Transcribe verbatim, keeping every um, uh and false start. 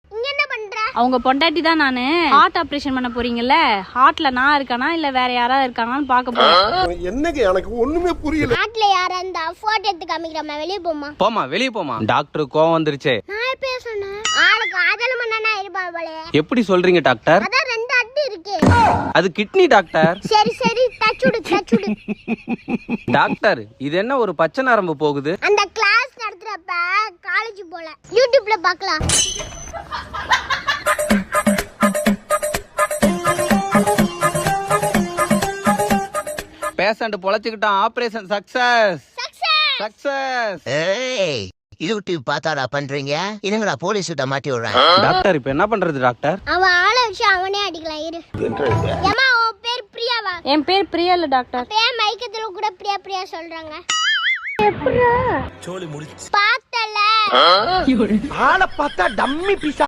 இங்க என்ன பண்ற? அவங்க பொண்டாட்டி தான் நானு. ஹார்ட் ஆபரேஷன் பண்ண போறீங்கல்ல, ஹார்ட்ல நான் இருக்கானா இல்ல வேற யாராவது இருக்காங்கன்னு பாக்க போறேன். என்னங்க எனக்கு ஒண்ணுமே புரியல. நாட்டுல யாரா இருந்தா போட்டோ எடுத்து காமிக்கிறமா, வெளிய போமா. போமா வெளிய போமா. டாக்டர் கோவம் வந்துருச்சே. நான் எப்ப சொன்னேன்? ஆளுக்கு காதல மண்ணனா இருப்பா போல. எப்படி சொல்றீங்க டாக்டர்? அதான் ரெண்டு அடி இருக்கு. அது கிட்னி டாக்டர். சரி சரி டச்சுடு டச்சுடு. டாக்டர் இது என்ன ஒரு பச்சை நரம்பு போகுது? அந்த கிளாஸ் நடத்துறப்ப காலேஜ் போல யூடியூப்ல பார்க்கலாம். பேஷண்ட் பொழைச்சுக்கிட்டான். Operation success success success. ஏய் யூடியூப் பார்த்தாடா பண்றீங்க? இதுங்கடா போலீஸ் கிட்ட மாட்டி விடுறேன். டாக்டர் இப்போ என்ன பண்றது டாக்டர்? அவன் ஆளை வச்சு அவனே அடிக்கலாம் இரு. ஏமா உன் பேர் பிரியாவா? என் பேர் பிரியா இல்ல டாக்டர். பேர் மைக்கத்துல கூட பிரியா பிரியா சொல்றாங்க. எப்படா சோலி முடிச்சு பார்த்தல ஆளை பார்த்தா டம்மி பீஸா